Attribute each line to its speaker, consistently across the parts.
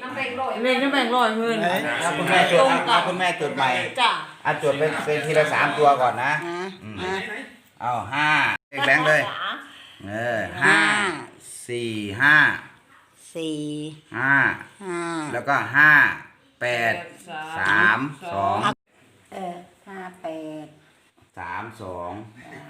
Speaker 1: เลขนี่แบ่งร้อยเพื่อน
Speaker 2: คุณแม่จดคุณแม่จดใหม่
Speaker 1: จ้ะ
Speaker 2: จดเป็นทีละ3 ตัวก่อนนะเอา5เลขแบงค์เลย5 4 5 5แล้วก็5 8 3 2 3 2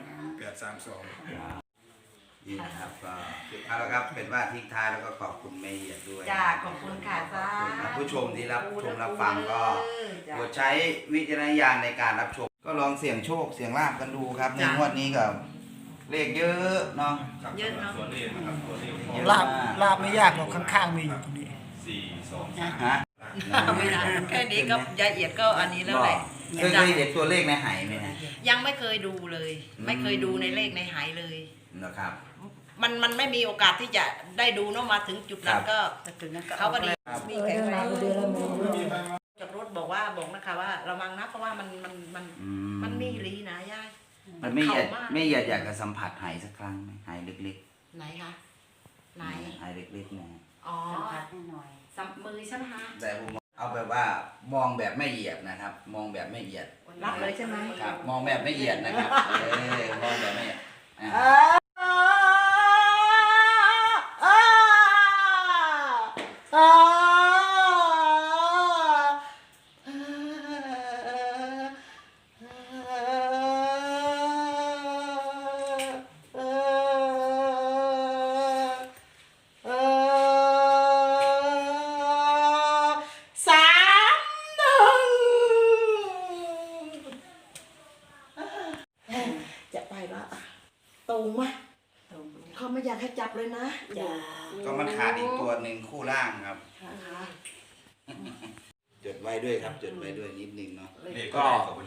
Speaker 2: นี่นะครับก็เอาละครับเป็นว่าทิ้งท้ายแล้วก็ขอบคุณเมย์ด้วย
Speaker 3: จ้าขอบคุณค่ะจ้า
Speaker 2: ผู้ชมที่รับชมรับฟังก็โปรดใช้วิจารณญาณในการรับชมก็ลองเสี่ยงโชคเสี่ยงลาภกันดูครับในงวดนี้กับเลขเยอะเนาะ
Speaker 3: เยอะเนาะ
Speaker 4: ลาบไม่ยากหรอกข้างๆมีอยู่ตรงนี้
Speaker 2: ฮะ
Speaker 3: ไม่ได้แค่นี้ก็ยายเอียดก็อันนี้แล้วแหละ
Speaker 2: เคยเห็นตัวเลขในไหไหมฮะ
Speaker 3: ยังไม่เคยดูเลย ไม่เคยดูในเลขในหายเลย
Speaker 2: นะครับ
Speaker 3: มันไม่มีโอกาสที่จะได้ดูเนาะมาถึงจุดนั้นก็เขาก็ดีมีแขกจากรถบอกนะคะว่าระวังนะเพราะว่ามันมีลีนะยาย
Speaker 2: มันไม่อยากจะสัมผัสไหสักครั้งไหมไหเล็ก
Speaker 3: ไหนคะไหน
Speaker 2: ๆไหเล็กๆนะ
Speaker 3: อ๋อสัมมือใช่ไหมคะ
Speaker 2: แต่ผมเอาแบบว่ามองแบบไม่เหยียดนะครับ มองแบบไม่เหยียด
Speaker 3: รับเลยใช่ไหม
Speaker 2: ครับมองแบบไม่เหยียดนะครับมองแบบไม่เหยียด
Speaker 3: จะไปละตรงไหมเขาไม่อยากให้จับเลยนะ
Speaker 2: ก็มันขาดอีกตัวหนึ่งคู่ล่างครับ
Speaker 3: นะคะ
Speaker 2: จดไว้ด้วยครับจดไว้ด้วยนิดนึงเนาะ
Speaker 5: ก็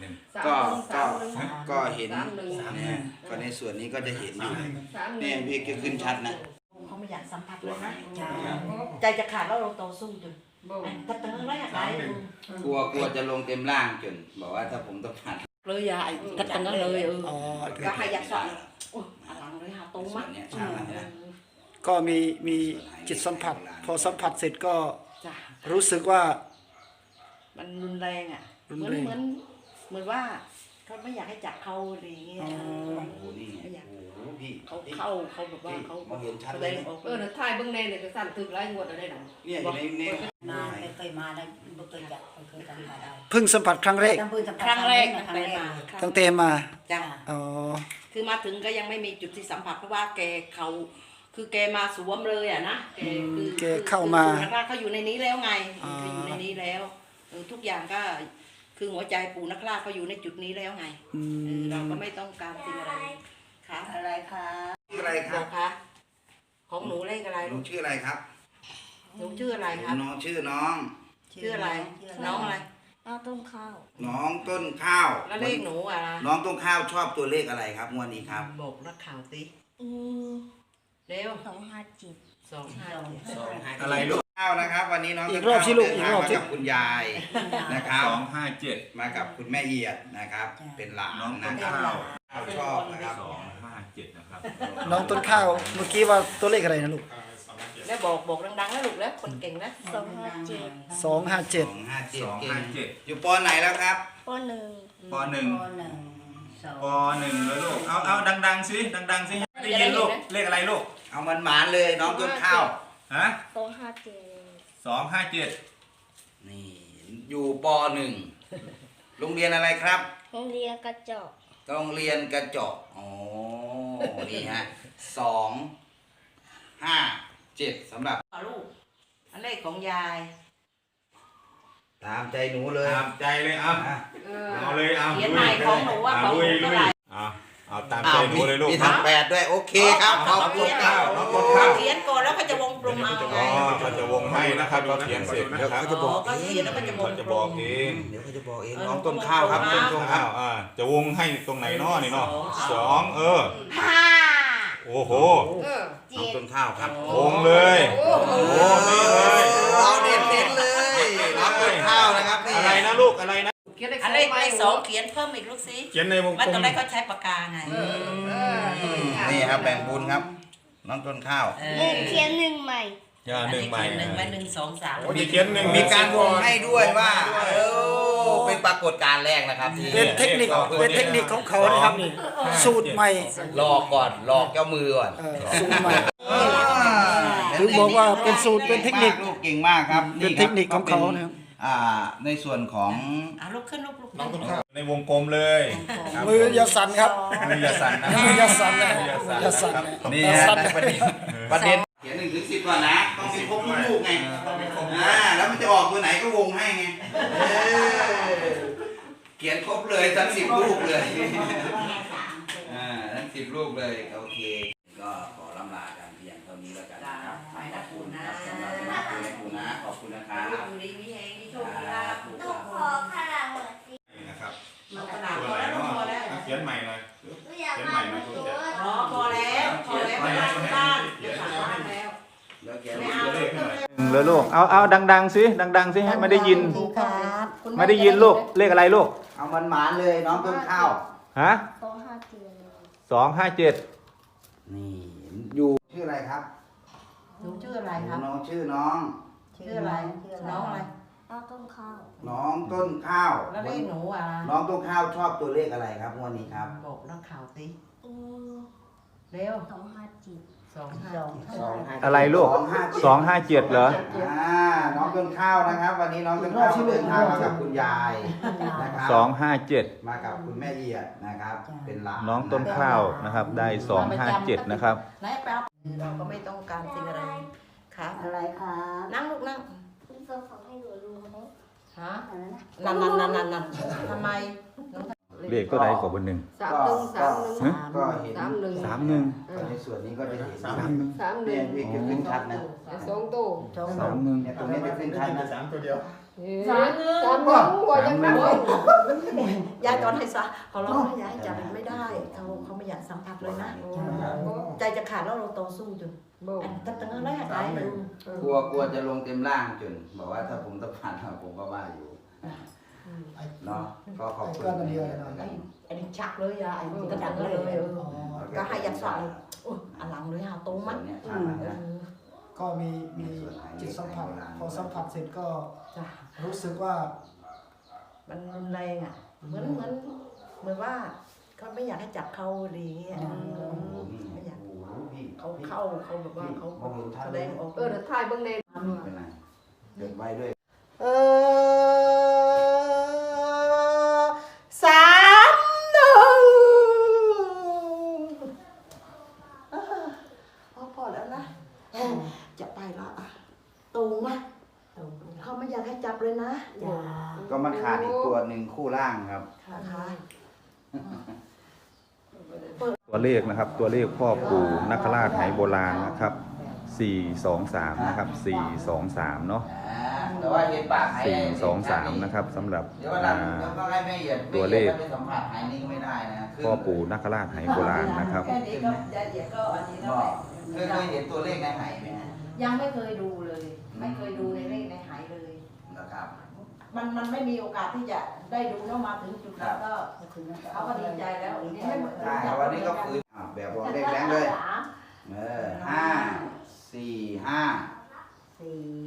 Speaker 2: ก็เห็นเนี่ยก็ในส่วนนี้ก็จะเห็นอยู่เนี่ยพี่ก็ขึ้นชัดนะ
Speaker 3: เขาไม่อยากสัมผัสเลยนะใจจะขาดแล้วเราต่อสู้จนกระเตื้องแรกไร
Speaker 2: กลัวจะลงเต็มล่างจนบอกว่าถ้าผมต้องผ่าน
Speaker 3: เลยยายกระเตื้องเลยก็ให้อยากสอนอลังเลยหาตรงมั้ย
Speaker 2: เนี่ยชัดนะ
Speaker 4: ก็มีจิตสัมผัส พอสัมผัสเสร็จก็
Speaker 3: จ้ะ
Speaker 4: รู้สึกว่า
Speaker 3: มันรุนแรงอ่ะเหมือนว่าเขาไม่อยากให้จับเขาอะไรอย่างเงี้ย
Speaker 2: โอ้โหนี่โอ้โหพี่
Speaker 3: เขาแบบว่าเขา
Speaker 2: มองเห็นชัดเลยนะ
Speaker 1: นะทายเบื้องในเนี่ยก็สั่นถึกไล่งวดอะไรหนัง
Speaker 2: เนี่ยอยู่ใน
Speaker 6: มาไม่เคยมาได้ไม่เคยจับไม่เคยทำมาได้
Speaker 4: เพิ่งสัมผัสครั้งแรก
Speaker 3: ครั้งแรกไปมา
Speaker 4: ตั้งแต่มา
Speaker 3: จ้ะ
Speaker 4: อ๋อ
Speaker 3: คือมาถึงก็ยังไม่มีจุดที่สัมผัสเพราะว่าแกคือแกมาสวมเลยอ่ะนะ
Speaker 4: แกเข้ามา
Speaker 3: เขาอยู่ในนี้แล้วไงเขาอยู่ในนี้แล้วทุกอย่างก็คือหัวใจปู่นักล่าเขาอยู่ในจุดนี้แล้วไงเราก็ไม่ต้องการสิ่งอะไรค่ะอะไรคะ
Speaker 2: ชื่ออะไรครับ
Speaker 3: คะของหนูเลขอะไร
Speaker 2: หนู
Speaker 3: ลูก
Speaker 2: ชื่ออะไรครับ
Speaker 3: หนูชื่ออะไรครับ
Speaker 2: น้องชื่อน้อง
Speaker 3: ชื่ออะไรน้องอะไร
Speaker 6: น้องต้มข้าว
Speaker 2: น้องต้นข้าว
Speaker 3: แล้วเลขหนูอ่ะ
Speaker 2: น้องต้นข้าวชอบตัวเลขอะไรครับงวดนี้ครับ
Speaker 3: บอกนักข่าวสิ
Speaker 6: อืม
Speaker 3: เร็ว
Speaker 6: 257
Speaker 3: 257
Speaker 5: อะไรลูก
Speaker 2: ข้าวนะครับ วันนี้น้อง
Speaker 4: อี
Speaker 2: ต้
Speaker 4: ก
Speaker 2: น
Speaker 4: รอบ
Speaker 2: ข้าว
Speaker 4: สิลูก
Speaker 2: เดิน
Speaker 4: อีก
Speaker 2: ทาง
Speaker 4: รอบ
Speaker 2: มา
Speaker 4: สิ
Speaker 2: กับคุณยายนะครับ
Speaker 5: 257
Speaker 2: มากับคุณแม่เอียดนะครับ เป็นหลาน
Speaker 5: น้องต้
Speaker 2: นะ
Speaker 5: น
Speaker 2: ครับ
Speaker 5: ข้าว
Speaker 2: ข้าวชอบนะครับ
Speaker 5: 257นะครับ
Speaker 4: น้องต้นข้าว เมื่อกี้ว่าตัวเลขอะไรนะลูก
Speaker 3: แล้วบอกดังๆแล้วลูกแล้วคนเก่งนะ
Speaker 4: 257
Speaker 2: 257เก่ง
Speaker 5: 257
Speaker 2: อยู่ปไหนแล้วครับ
Speaker 5: ป .1
Speaker 6: ป .1
Speaker 5: ป .1 แล้วลูกเอาดังๆสิดังๆสิได้ยินลูกเลขอะไรลูก
Speaker 2: เอามันหมานเลยน้องต้นข้าว
Speaker 5: ฮะ
Speaker 6: 257
Speaker 5: 257
Speaker 2: นี่อยู่ป.1 โรงเรียนอะไรครับ
Speaker 6: โรงเรียนกระจก
Speaker 2: โรงเรียนกระจกอ๋อนี่ฮะ257สำหรับ
Speaker 3: ลูกอันเลขของยาย
Speaker 2: ตามใจหนูเลย
Speaker 5: ตามใจเลยเอาเลยเอา
Speaker 3: เขียนใหม่ของหนูว่าของหนูเท่าไหร่
Speaker 5: เอาตามใจหนูเลยลูก
Speaker 2: มีทั้ง8ด้วยโอเคครับขอบคุณครับ
Speaker 5: น้องต้นข้าว
Speaker 3: เขียนก่อนแล้วก็จะวงกลมเอาไง
Speaker 5: เขาจะวงให้นะครับเราเขียนเสร็จนะครับ
Speaker 2: เขาจะบอก
Speaker 3: ก็เขียนแล้วก็จะวง
Speaker 5: เขาจะ
Speaker 3: กล
Speaker 5: บอก
Speaker 3: ม
Speaker 5: เอง
Speaker 2: เดี๋ยวเขาจะบอกเองน้องต้นข้าวครับต้นข้าว
Speaker 5: จะวงให้ตรงไหนเนาะนี่เนาะ2โอ้โห
Speaker 2: น้องต้นข้าวครับ
Speaker 5: วงเลยโอ้นี่เลย
Speaker 2: เอาเด็ดเลยน้องต้นข้าวนะครับนี่
Speaker 5: อะไรนะลูกอะไรนะ
Speaker 3: อันเลขสองเขียนเพิ่มอีกลูกสิ
Speaker 5: เขียนในวง
Speaker 3: ว่าก
Speaker 5: ล
Speaker 3: ตอน
Speaker 5: ม
Speaker 3: แรกเขาใช้ปากกาไง
Speaker 2: นี่ครับแบ่งบุญครับ น้องต้นข้าว
Speaker 6: เขียน1ใหม่
Speaker 5: เขีอย่าหนึ่งใหม่
Speaker 3: หนึ่งไว้1 2 3
Speaker 5: โอ้ยเขียนหนึ่ง
Speaker 2: มีการวงให้ด้วยว่าเป็นปรากฏการณ์แรกนะครับที่
Speaker 4: เป็นเทคนิคของเขานะครับนี่สูตรใหม่
Speaker 2: หลอกก่อนหลอกเจ้ามือก่อน
Speaker 4: สูตรใหม่ถึงบอกว่าเป็นสูตรเป็นเทคนิค
Speaker 2: ลูกเก่งมากครับ
Speaker 4: เป็นเทคนิคของเขานะครับ
Speaker 2: ในส่วนของ
Speaker 3: ลุกขึ้นลุก
Speaker 5: น้องต้นข้าวในวงกลมเลยครับ
Speaker 4: มืออยาสั่นครับ
Speaker 5: มืออย่าสั่นนะ
Speaker 4: มืออยาสั่นนะอยาสั่น
Speaker 2: นี่
Speaker 4: อย่า
Speaker 2: ฮะ
Speaker 4: สั่น
Speaker 2: ประเด็นเขียน1 ถึง 10ก่อนนะต้องมีครบทุกลูกไงแล้วมันจะออกตัวไหนก็วงให้ไงเขียนครบเลยทั้ง10 ลูกเลยทั้ง10 ลูกเลยโอเคก็ขอลำลากันเพียงเท่านี้แล้วกันนะครับ
Speaker 3: ไปนะคุณนะ
Speaker 2: สำหรับคุณนะขอบคุณนะครับ
Speaker 3: อยู่ดีมีแหงมีโชคมีลาภ
Speaker 2: ครับ
Speaker 7: ขอขนาดเหมือนสิ
Speaker 5: นะครับ
Speaker 3: มันขนาด
Speaker 5: ตัว
Speaker 3: พอ
Speaker 5: ไหน
Speaker 3: แล้ว
Speaker 5: เนาะ
Speaker 3: พอแล้ว
Speaker 5: เขียนใหม่หน่อย
Speaker 7: อยากมาเหมือนตัว
Speaker 3: พอแล้วไม่ได้บ้านจะสั่งบ้านแล้ว
Speaker 2: แล้วเขียน
Speaker 3: ไม่เอา
Speaker 5: เลยลูกเอาดังๆสิดังๆสิให้ไม่ได้ยิน ไม่ได้ยินลูกเลขอะไรลูก
Speaker 2: เอามันหมานเลยน้องต้นข้าว
Speaker 5: ฮะ
Speaker 7: 257
Speaker 5: 257
Speaker 2: นี่อยู่ชื่ออะไรครับ
Speaker 3: หนูชื่ออะไรครับ
Speaker 2: น้องชื่อน้อง
Speaker 3: ชื่ออะไรน้องอะไร
Speaker 7: เอาต้นข้าว
Speaker 2: น้องต้นข้าว
Speaker 3: แล้วเรียกหนูอ่ะ
Speaker 2: น้องต้นข้าวชอบตัวเลขอะไรครับงวันนี้ครับ
Speaker 3: บอกนักข่าวสิ
Speaker 7: อืม
Speaker 3: เร็ว
Speaker 7: 257
Speaker 3: 2
Speaker 5: อะไรลูก 257เหรอ
Speaker 2: น้องต้นข้าวนะครับ วันนี้น้องต้นข้าวเดินทางมากับคุณยายนะครับ
Speaker 5: 257
Speaker 2: มากับคุณแม่เอียดนะครับ เป็นหลาน
Speaker 5: น้องต้นข้าวนะครับได้257นะครับ
Speaker 3: ไหนแป๊บเราก็ไม่ต้องการสิ่งอะไรครับ
Speaker 7: อะไรครับ
Speaker 3: นั่งลูกนั่ง
Speaker 7: คุณส่งของให้หนูดูไหม
Speaker 3: ฮะ
Speaker 7: อะไรนะ
Speaker 3: นั่นทำไม
Speaker 5: เลขตัวใดกว่าบนหนึ่ง
Speaker 2: ก็เห็น
Speaker 5: 31
Speaker 2: ในส่วนนี้ก็จะเห็น
Speaker 5: 31
Speaker 2: เนี่ยพี่จะขึ้นชัดนะ
Speaker 5: 31
Speaker 2: เนี่ยตรงนี้จะขึ้นชัดนะ
Speaker 3: ยายตอนให้ซะเขาร้องให้ยายจับไม่ได้เขาไม่อยากสัมผัสเลยนะใจจะขาดแล้วเราต่อสู้จนอันตั้งแต่แรกได้เลย
Speaker 2: กลัวจะลงเต็มร่างจนบอกว่าถ้าผมต้องผ่านผมก็ว่าอยู่เนาะก็ขอบคุณ
Speaker 3: อันนี้ชักเลยยายก็ดังเลยก็ให้ยัดใส่อันหลังเลยฮะตรงมัน
Speaker 2: เนี่ยชัดนะ
Speaker 4: ก็มีจิตสัมผัสพอสัมผัสเสร็จก็
Speaker 3: จ้ะ
Speaker 4: รู้สึกว่า
Speaker 3: มันรุนแรงอ่ะเหมือนว่าเขาไม่อยากให้จับเขาอะไรอย่างเงี้ยไม่อยากเขาแบบว่าเขาแสดงออก
Speaker 1: เดี๋ยวถ่ายเบิ่งใน
Speaker 2: เป็นไรเด็กไว้ด้วย
Speaker 3: พอแล้วนะจะไปแล้วตรงไหมเขาไม่อยากให้จับเลยนะ
Speaker 2: ก็มันขาดอีกตัวหนึ่งคู่ล่างครับ
Speaker 3: ค่ะ
Speaker 5: ตัวเลขนะครับตัวเลขพ่อปู่นักราชไหโบราณนะครับ423นะครับ423เนาะ
Speaker 2: แต่ว่าเห็นปากหาย
Speaker 5: 423นะครับสำหรับ
Speaker 2: เดี๋ยววันหลังก็ให้แม่เหยียด
Speaker 5: ตัวเลข
Speaker 2: ไปสัมผัสหายนี่ก็ไม่ได้นะ
Speaker 5: พ่อปู่นักราชไหโบราณนะครับ
Speaker 3: แค่นี้ก็ยายเดียก็อันนี้แล้ว
Speaker 2: เคยเห็นตัวเลขในหายไหมฮะ
Speaker 3: ยังไม่เคยดูเลย ไม่เคยดูในเลขในหายเลย
Speaker 2: นะครับ
Speaker 3: มันไม่มีโอกาสที่จะได้ดูเนาะมาถึงจุดนั้นก็เขาก็ดีใจแล้วนี่ไม่
Speaker 2: ได้วันนี้ก็ฟื้นแบบบอกเลขแบงค์เลย5 4 5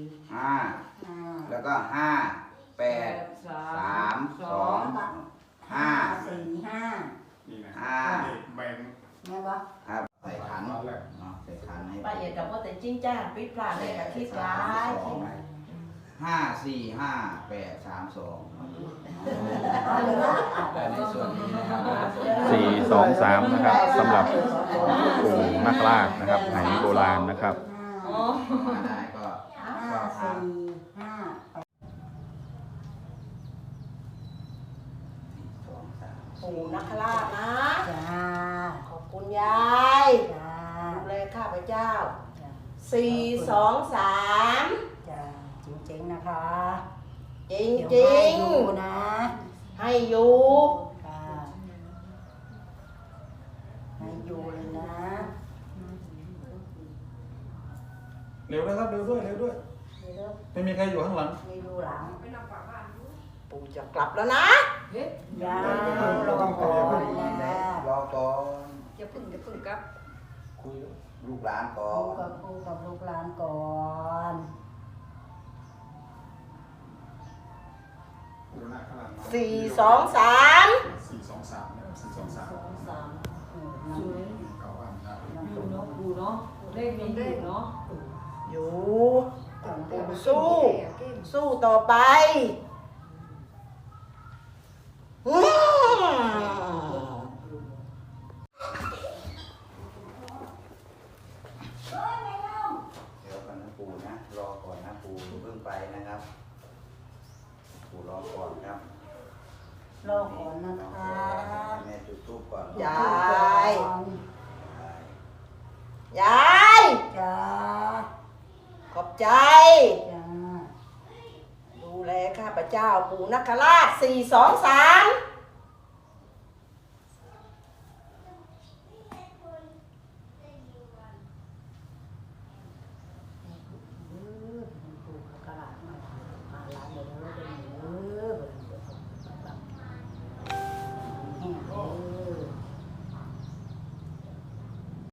Speaker 2: 5แล้วก็5 8 3 2 5
Speaker 7: 4 5
Speaker 2: 5
Speaker 4: แบ่ง
Speaker 7: แม่วะ
Speaker 2: ครับใส่ขันใส่ขันให้
Speaker 3: ป้าเอียดกับพ่อแต่จริงจ้าปิดพลาดเลยกับคิดร้าย
Speaker 2: 5 4 5 8 3 2ในส่วนนี้นะครับ
Speaker 5: 423นะครับสำหรับปู่นักราชนะครับไหโบราณนะครับ
Speaker 2: มาได้ก็ทาง
Speaker 3: ปู่นักราชนะ
Speaker 7: จ้า
Speaker 3: ขอบคุณยาย
Speaker 7: จ้า
Speaker 3: ดูแลข้าพเจ้า
Speaker 7: จ้า
Speaker 3: 423
Speaker 7: จ้าจริงๆนะคะ
Speaker 3: จริง
Speaker 7: เดี๋ยว
Speaker 3: จริ
Speaker 7: ให้
Speaker 3: ง
Speaker 7: ดูนะ
Speaker 3: ให้อยู่
Speaker 7: ค่ะให้อยู่เลยนะ
Speaker 5: เร็วนะครับเร็วด้วยไม่มีใครอยู่ข้างหลัง
Speaker 7: ให้ดูหลัง
Speaker 3: ปู่จะกลับแล้วนะ
Speaker 7: ยารอก่อนนะ
Speaker 2: รอก่อน
Speaker 1: อย่าพึ่งกลับ
Speaker 2: คุยลูกหลานก่อ
Speaker 7: ปู่กับลูกหลานก่อน
Speaker 3: 4 2 3
Speaker 7: สองสาม
Speaker 1: อยู่เนาะปูเนาะเลขมีอยู่เนาะ
Speaker 3: อยู่ปู่สู้ต่อไปอืม
Speaker 2: เดี๋ยวกันนะปู่นะรอก่อนนะปู่เพิ่งไปนะครับปู่รอก่อนครับ
Speaker 7: รอก่อนนะคะ
Speaker 2: แม่จุดธูปก่อน
Speaker 3: ยายยาย
Speaker 7: จ้า
Speaker 3: ขอบใจ
Speaker 7: จ้า
Speaker 3: ดูแลข้าพเจ้าปู่นักราช4 2 3